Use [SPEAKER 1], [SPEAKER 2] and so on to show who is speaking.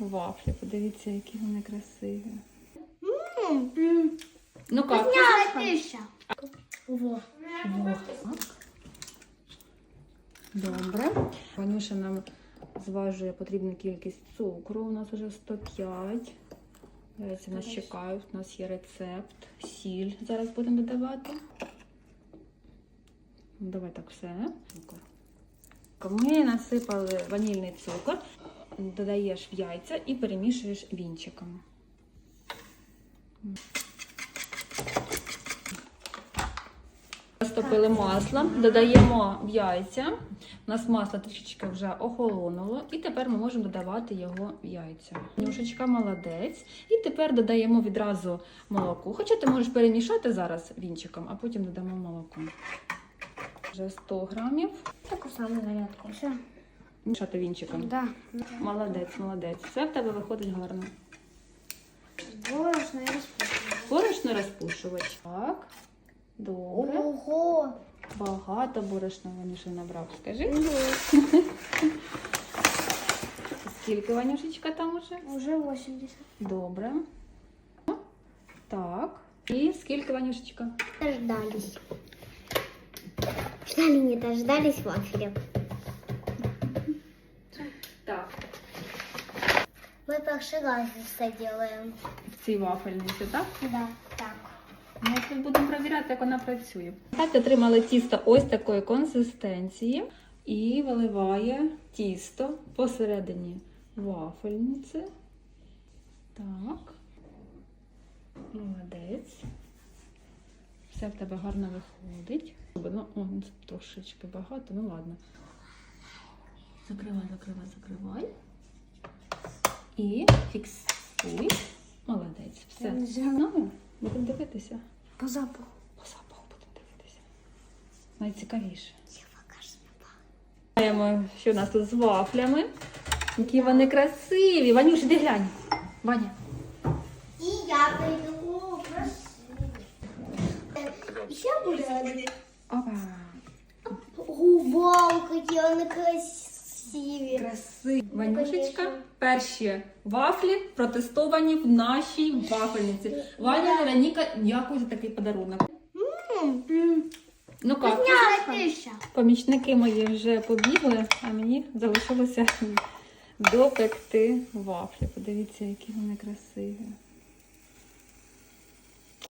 [SPEAKER 1] вафлі. Подивіться, які вони красиві. Ну як?
[SPEAKER 2] Вкусняшка.
[SPEAKER 1] Во. Добре. Ванюша нам зважує потрібну кількість цукру. У нас вже 105. Яйця нас чекають. У нас є рецепт. Сіль зараз будемо додавати. Давай так все. Ми насипали ванільний цукор. Додаєш в яйця і перемішуєш вінчиком. Розтопили масло, додаємо в яйця. У нас масло трішечки вже охолонуло. І тепер ми можемо додавати його в яйця. Нюшечка молодець. І тепер додаємо відразу молоко. Хоча ти можеш перемішати зараз вінчиком, а потім додамо молоко. Вже 100 грамів.
[SPEAKER 2] Таку саму зарядку. Все.
[SPEAKER 1] Мішати вінчиком.
[SPEAKER 2] Да.
[SPEAKER 1] Молодець, молодець. Все в тебе виходить гарно.
[SPEAKER 2] Борошно і розпушувач.
[SPEAKER 1] Борошно розпушувач. Так. Добре.
[SPEAKER 2] Ого!
[SPEAKER 1] Багато борошна Ванюша набрав. Скажи. Скільки, Ванюшечка, там уже?
[SPEAKER 2] Уже 80.
[SPEAKER 1] Добре. Так. І скільки, Ванюшечка?
[SPEAKER 2] Дождались. Ждали, не дождались вафелек.
[SPEAKER 1] Так.
[SPEAKER 2] Мы перший раз это делаем.
[SPEAKER 1] В цій вафельниці, так?
[SPEAKER 2] Да, так.
[SPEAKER 1] Ми тут будемо перевіряти, як вона працює. Так, отримали тісто ось такої консистенції. І виливає тісто посередині вафельниці. Так. Молодець. Все в тебе гарно виходить. Ну, трошечки багато, ну ладно. Закривай, закривай, закривай. І фіксуй. Молодець. Все. Ну, будемо дивитися.
[SPEAKER 2] По запаху.
[SPEAKER 1] По запаху будемо дивитися. Найцікавіше.
[SPEAKER 2] Покажи.
[SPEAKER 1] Знаємо, що у нас тут з вафлями. Які вони красиві. Ванюш, іди глянь. Ваня.
[SPEAKER 2] И я приду. О, красиво. Еще будет.
[SPEAKER 1] Опа.
[SPEAKER 2] Вау, какие они красивые.
[SPEAKER 1] Красиві. Ванюшечка,
[SPEAKER 2] Конечно.
[SPEAKER 1] перші вафлі протестовані в нашій вафельниці. Ваня Вероніка, дякую за такий подарунок. Ну як?
[SPEAKER 2] Пища.
[SPEAKER 1] Помічники мої вже побігли, а мені залишилося допекти вафлі. Подивіться, які вони красиві.